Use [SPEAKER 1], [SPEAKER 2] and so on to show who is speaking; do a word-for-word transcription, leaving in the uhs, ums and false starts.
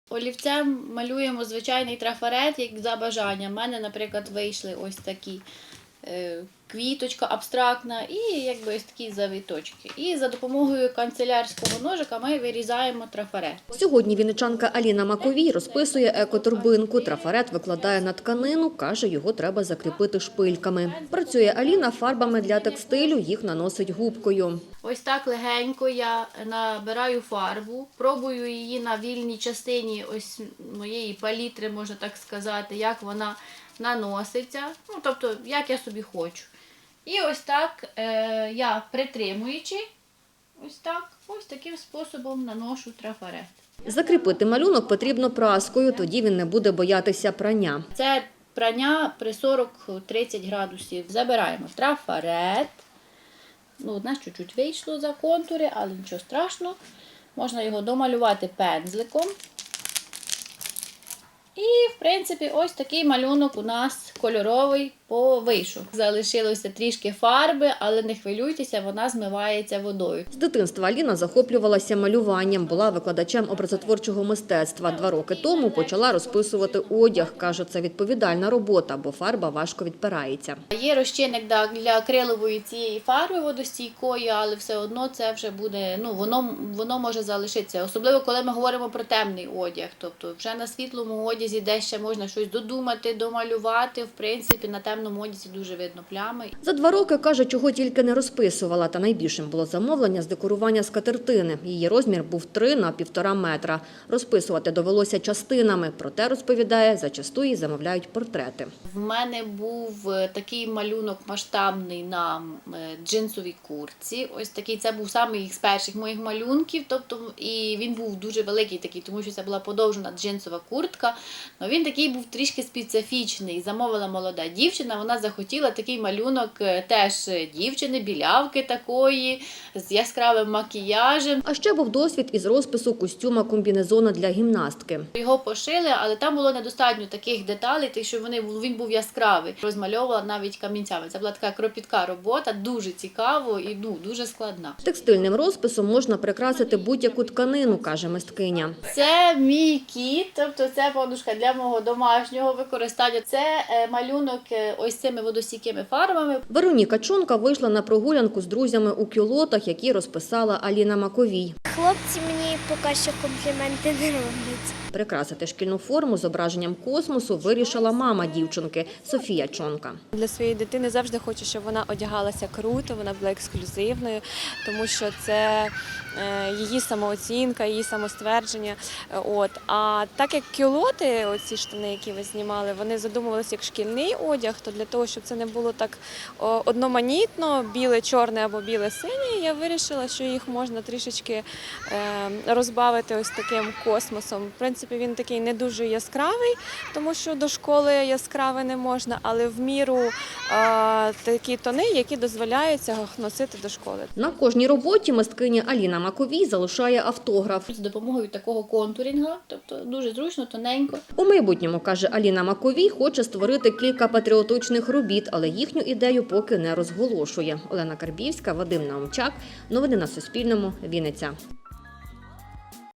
[SPEAKER 1] Олівцем малюємо звичайний трафарет, як за бажанням. У мене, наприклад, вийшли ось такі е, квіточка абстрактна і якби ось такі завіточки. І за допомогою канцелярського ножика ми вирізаємо трафарет.
[SPEAKER 2] Сьогодні вінничанка Аліна Маковій розписує екоторбинку. Трафарет викладає на тканину, каже, його треба закріпити шпильками. Працює Аліна фарбами для текстилю, їх наносить губкою.
[SPEAKER 1] Ось так легенько я набираю фарбу, пробую її на вільній частині ось моєї палітри, можна так сказати, як вона наноситься, ну, тобто, як я собі хочу. І ось так е, я, притримуючи, ось так, ось таким способом наношу трафарет.
[SPEAKER 2] Закріпити малюнок потрібно праскою, тоді він не буде боятися прання.
[SPEAKER 1] Це прання при сорок-тридцять градусів. Забираємо трафарет. Ну, у нас чуть-чуть вийшло за контури, але нічого страшного. Можна його домалювати пензликом. І, в принципі, ось такий малюнок у нас кольоровий вийшов. Залишилося трішки фарби, але не хвилюйтеся, вона змивається водою.
[SPEAKER 2] З дитинства Аліна захоплювалася малюванням, була викладачем образотворчого мистецтва. Два роки тому почала розписувати одяг. Каже, це відповідальна робота, бо фарба важко відпирається.
[SPEAKER 1] Є розчинник для акрилової цієї фарби водостійкої, але все одно це вже буде, ну, воно, воно може залишитися. Особливо, коли ми говоримо про темний одяг. Тобто вже на світлому одязі, де ще можна щось додумати, домалювати, в принципі, на темному одязі дуже видно плями.
[SPEAKER 2] За два роки, каже, чого тільки не розписувала, та найбільшим було замовлення з декорування скатертини. Її розмір був три на півтора метра. Розписувати довелося частинами, проте, розповідає, зачасту їй замовляють портрети.
[SPEAKER 1] В мене був такий малюнок масштабний на джинсовій куртці. Ось такий, це був самий з перших моїх малюнків, тобто, і він був дуже великий такий, тому що це була подовжена джинсова куртка. Но він такий був трішки специфічний. Замовила молода дівчина, вона захотіла такий малюнок теж дівчини, білявки такої, з яскравим макіяжем.
[SPEAKER 2] А ще був досвід із розпису костюма комбінезона для гімнастки.
[SPEAKER 1] Його пошили, але там було недостатньо таких деталей, так що вони, він був яскравий. Розмальовувала навіть камінцями. Це була така кропітка робота, дуже цікаво і ну, дуже складна.
[SPEAKER 2] Текстильним розписом можна прикрасити будь-яку тканину, каже мисткиня.
[SPEAKER 1] Це мій кіт, тобто це подушка для мого домашнього використання. Це малюнок ось цими водостійкими фарбами.
[SPEAKER 2] Вероніка Чонка вийшла на прогулянку з друзями у кюлотах, які розписала Аліна Маковій.
[SPEAKER 3] Хлопці мені поки що компліменти не роблять.
[SPEAKER 2] Прикрасити шкільну форму зображенням космосу вирішила мама дівчинки Софія Чонка.
[SPEAKER 4] Для своєї дитини завжди хочу, щоб вона одягалася круто, вона була ексклюзивною, тому що це її самооцінка, її самоствердження. От. А так як кюлоти, оці штани, які ви знімали, вони задумувалися як шкільний одяг, то для того, щоб це не було так одноманітно, біле-чорне або біле-синє, я вирішила, що їх можна трішечки розбавити ось таким космосом. В принципі, він такий не дуже яскравий, тому що до школи яскравий не можна, але в міру а, такі тони, які дозволяються носити до школи.
[SPEAKER 2] На кожній роботі мисткиня Аліна Маковій залишає автограф.
[SPEAKER 1] З допомогою такого контурінга, тобто дуже зручно, тоненько.
[SPEAKER 2] У майбутньому, каже Аліна Маковій, хоче створити кілька патріотичних робіт, але їхню ідею поки не розголошує. Олена Карбівська, Вадим Наумчак. Новини на Суспільному. Вінниця.